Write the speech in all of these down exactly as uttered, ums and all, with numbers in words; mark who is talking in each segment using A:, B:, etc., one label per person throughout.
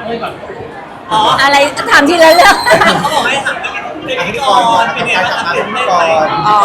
A: เลยก่อน
B: อ๋ออะไรถามทีละเรื่อง
A: เขาบอกให้ถามเป็นพิธีกรเป็นไงบ้างครับเป็นพิธีกร
B: อ๋อ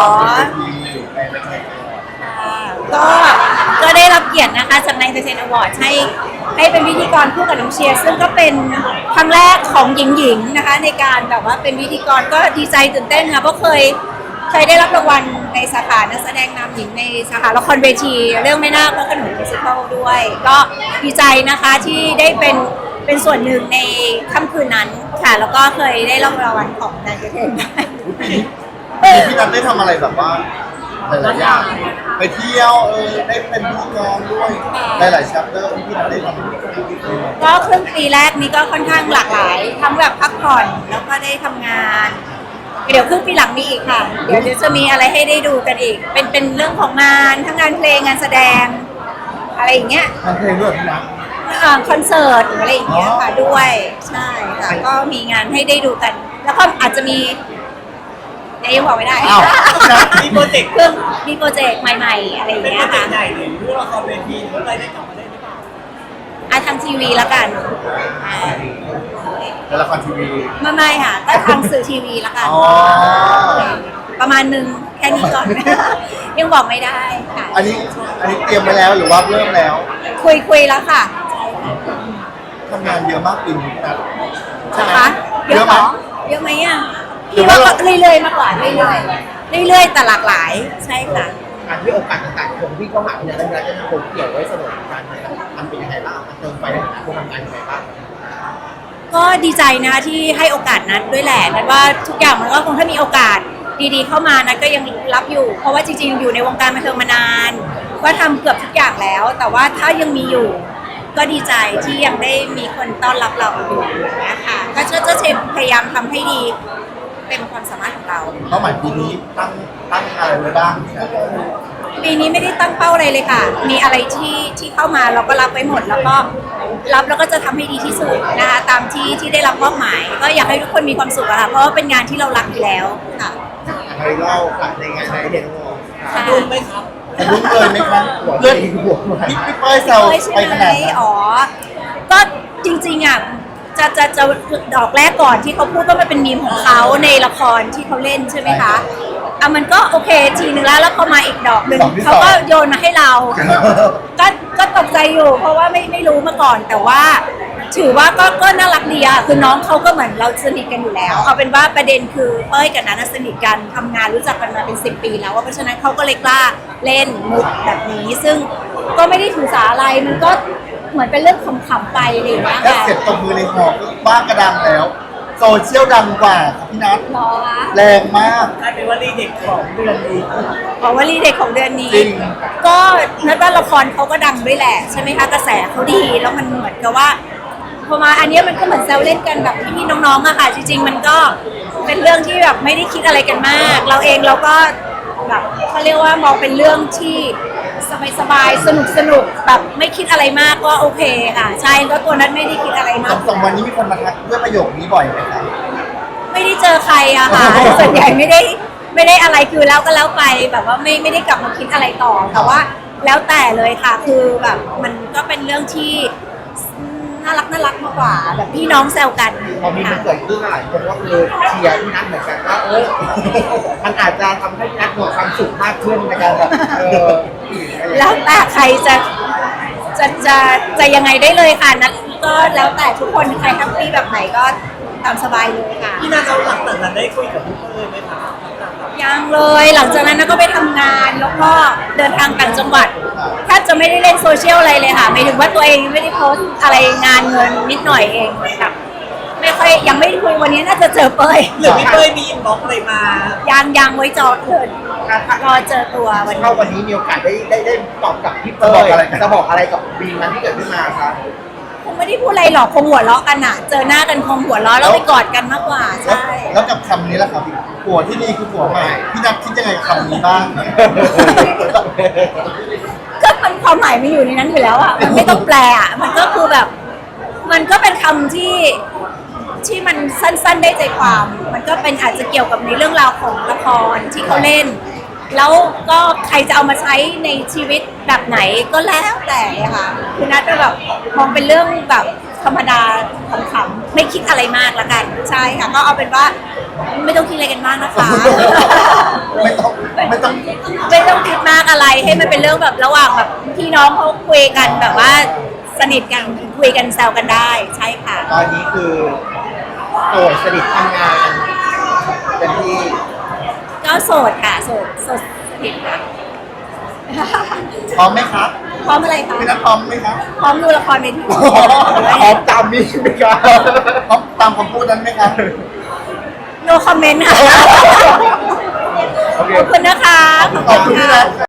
B: ก็ก็ได้รับเกียรตินะคะจากนายเซนอวอร์ดให้ให้เป็นพิธีกรคู่กับน้องเชียร์ซึ่งก็เป็นครั้งแรกของหญิงๆนะคะในการแบบว่าเป็นพิธีกรก็ดีใจตื่นเต้นค่ะเพราะเคยเคยได้รับรางวัลในสาขานักแสดงนำหญิงในสาขาละครเวทีเรื่องแม่นาคพระโขนงมิวสิคลด้วยก็ดีใจนะคะที่ได้เป็นเป็นส่วนหนึ่งในค่ำคืนนั้นค่ะแล้วก็เคยได้รับรางวัลของนายเทนได้
C: พี่นัทได้ทำอะไรแบบว่าหลายๆอย่างไปเที่ยวเออได้เป็นพิธีกรด้วยหลายๆชัปเตอร์ที่นัทได้ทำ
B: ก็ครึ่งปีแรกนี้ก็ค่อนข้างหลากหลายทั้งแบบพักผ่อนแล้วก็ได้ทำงานเดี๋ยวครึ่งปีหลังมีอีกค่ะเดี๋ยวจะมีอะไรให้ได้ดูกันอีกเป็นเป็นเรื่องของงานทั้งงานเพลงงานแสดงอะไรอย่างเงี้ย
C: งานเพลงด้วยพี่นัท
B: คอนเสิร์ตอะไรอย่างเงี้ยค่ะด้วยใช่ค่ะก็มีงานให้ได้ดูกันแล้วก็อาจจะมียังบอกไม่ได้
A: มีโปรเจกต์
B: เพิ่งมีโปรเจกต์ใหม่ๆอะไรอย่างเงี้ยค่ะ
A: ใหญ่หรือละครเวทีหรืออะไรได้กลับมาได้หรือเปล่า
B: อ่ะทางทีวีละกัน
C: ในละครทีวี
B: ไม่ไม่ค่ะก็ทางสื่อทีวีละกันประมาณนึงแค่นี้ก่อนยังบอกไม่ได้ค่ะ
C: อันนี้อันนี้เตรียมไปแล้วหรือว่าเริ่มแล้ว
B: คุยคุยแล้วค่ะ
C: ทำงานเยอะมากปีนี้นะ
B: ใช่ไหมเยอะเหรอเยอะไหมอ่ะพี่ว่าเรื่อยๆมากกว่าเรื่อยๆเรื่อยๆแต่หลากหลายใช่ค่ะ
C: การที่โอกาสต่างๆคงที่เข้ามาเนี่ยระยะจะคงเกี่ยวไว้เสมอกันมันเป็นยังไงบ้างมันเติมไฟในการทำงานยังไงบ้าง
B: ก็ดีใจนะที่ให้โอกาสนัดด้วยแหละนัดว่าทุกอย่างมันก็คงถ้ามีโอกาสดีๆเข้ามานัดก็ยังรับอยู่เพราะว่าจริงๆอยู่ในวงการบันเทิงมานานก็ทำเกือบทุกอย่างแล้วแต่ว่าถ้ายังมีอยู่ก็ดีใจที่ยังได้มีคนต้อนรับเราอยู่นะคะก็จะจะพยายามทำให้ดีเป็นความสามารถของเรา
C: เป้าหมายปีนี้ตั้งตั้งอะไรไว้บ้าง
B: ปีนี้ไม่ได้ตั้งเป้าอะไรเลยค่ะมีอะไรที่ที่เข้ามาเราก็รับไว้หมดแล้วก็รับแล้วก็จะทำให้ดีที่สุดนะคะตามที่ที่ได้รับมอบหมายก็อยากให้ทุกคนมีความสุขอะค่ะเพราะว่าเป็นงานที่เรารักอยู่แล้วค่ะ
C: ใครเล่าในงานในเด็ก
A: ดูไหมครับ
C: ดูเลยไหมครับเลื่อนหัวพี่พี่เป้ยเซลไปขนาดนั้น
B: อ๋อก็จริงๆอ่ะจะจะจะดอกแรกก่อนที่เขาพูดว่ามันเป็นมีมของเขาในละครที่เขาเล่นใช่ไหมคะอ่ะมันก็โอเคทีนึงแล้วแล้วพอมาอีกดอกหนึ่งเขาก็โยนมาให้เราก็ก็ตกใจอยู่เพราะว่าไม่ไม่รู้มาก่อนแต่ว่าถือว่าก็ก็น่ารักดีอะคือน้องเขาก็เหมือนเราสนิทกันอยู่แล้วเอาเป็นว่าประเด็นคือเป้ยกับนัทสนิทกันทำงานรู้จักกันมาเป็นสิบปีแล้วเพราะฉะนั้นเขาก็เลยกล้าเล่นมุกแบบนี้ซึ่งก็ไม่ได้ถือสาอะไรมันก็เหมือนเป็นเรื่องขำๆไปอะไรอย่างเงี้ยค่ะ
C: เสร็จตบมือในหอบ้านกระดังแล้วโซเชียลดังกว่าพี่นัทแรงมาก
A: กลายเป็นวลีเด็กของเดือนนี้
B: อ๋อวลีเด็กของเดือนนี้ก็นัดว่าละครเขาก็ดังด้วยแหละใช่ไหมคะกระแสเขาดีแล้วมันเหมือนกับว่าพอมาอันนี้มันก็เหมือนแซวเล่นกันแบบพี่ๆน้องๆอะค่ะจริงๆมันก็เป็นเรื่องที่แบบไม่ได้คิดอะไรกันมากเราเองเราก็แบบเขาเรียกว่ามองเป็นเรื่องที่สบายๆสนุกสนุกแบบไม่คิดอะไรมากก็โอเคค่ะใช่ก็ตัวนั้นไม่ได้คิดอะไรมาก
C: สองวันนี้มีคนมาทักด้วยประโยคนี้บ่อยไหมคะ
B: ไม่ได้เจอใครอะค่ะส่วนใหญ่ไม่ได้ไม่ได้อะไรคือแล้วก็แล้วไปแบบว่าไม่ไม่ได้กลับมาคิดอะไรต่อแต่ว่าแล้วแต่เลยค่ะคือแบบมันก็เป็นเรื่องที่น่ารักน่ารักมากกว่าแบบพี่น้องแซวกัน
C: พอมีมันเกิดขึ้นหลายคนว่าเออเชียร์พี่นัทเหมือนกันว่าเออมันอาจจะทำให้พี่นัทมีความสุขมากขึ้นในการแบบเออ
B: แล้วแต่ใครจะจะจะจะยังไงได้เลยค่ะนัทก็แล้วแต่ทุกคนใครแฮปปี้แบบไหนก็ตามสบายเลยค่ะ
A: พี่นัทเราหลังจากนั้นได้คุยกับพี่เป้ยไหมคะ
B: ยังเลยหลังจากนั้นก็ไปทำงานแล้วก็เดินทางต่างจังหวัดแทบจะไม่ได้เล่นโซเชียลอะไรเลยค่ะหมายถึงว่าตัวเองไม่ได้โพสอะไรงานเงินนิดหน่อยเองแบบไม่ค่อยยังไม่ได้คุยวันนี้น่าจะเจอเป้ย
A: หรือพี่เป้ยมีอินบ็อกซ์อะไรมา
B: ยังยังไว้จอเถิดรอเจอตัววันนี้
C: เข้าวันนี้มีโอกาสได้ได้ได้ตอบกับพี่เป้ยจะบอกอะไรกับบีมนั้นที่เกิดขึ้นมาครับ
B: คงไม่ได้พูดอะไรหรอกคงหัวเราะกันอะเจอหน้ากันคงหัวเราะแล้วไปกอดกันมากกว่าใช่
C: แล้วกับคำนี้ล่ะครับผัวที่นี่คือผัวใหม่พี่นัทคิดยังไงกับคำนี้บ้าง
B: ก็มันความหมายมันอยู่ในนั้นอยู่แล้วอะมันไม่ต้องแปลอะมันก็คือแบบมันก็เป็นคำที่ที่มันสั้นๆได้ใจความมันก็เป็นอาจจะเกี่ยวกับในเรื่องราวของละครที่เขาเล่นแล้วก็ใครจะเอามาใช้ในชีวิตแบบไหนก็แล้วแต่ค่ะคือนัทก็แบบมองเป็นเรื่องแบบธรรมดาขำๆไม่คิดอะไรมากละกันใช่ค่ะก็เอาเป็นว่าไม่ต้องคิดอะไรกันมากนะคะ
C: ไม่ต้องไม่ต้อง
B: ไม่ต้องคิดมากอะไรให้มันเป็นเรื่องแบบระหว่างแบบพี่น้องเขาคุยกันแบบว่าสนิทกันคุยกันแซวกันได้ใช่ค่ะ
C: ตอนนี้คือโสดสนิททำงานเป็นที่
B: ก็โสดค่ะโสดโสดสนิทค่ะ
C: พร้อมไหมครับ
B: พร้อมอะไรคะ
C: พี่นัทพร้อมไหมครับ
B: พร้อมดูละครเวที
C: พร้อมตามนี้ไหมครับพร้อมตามคำพูดนั้นไหมครับ
B: โนคอมเมนต์ค่ะ
C: โอเค
B: ขอบคุณนะคะ
C: ขอบคุณพี่นัท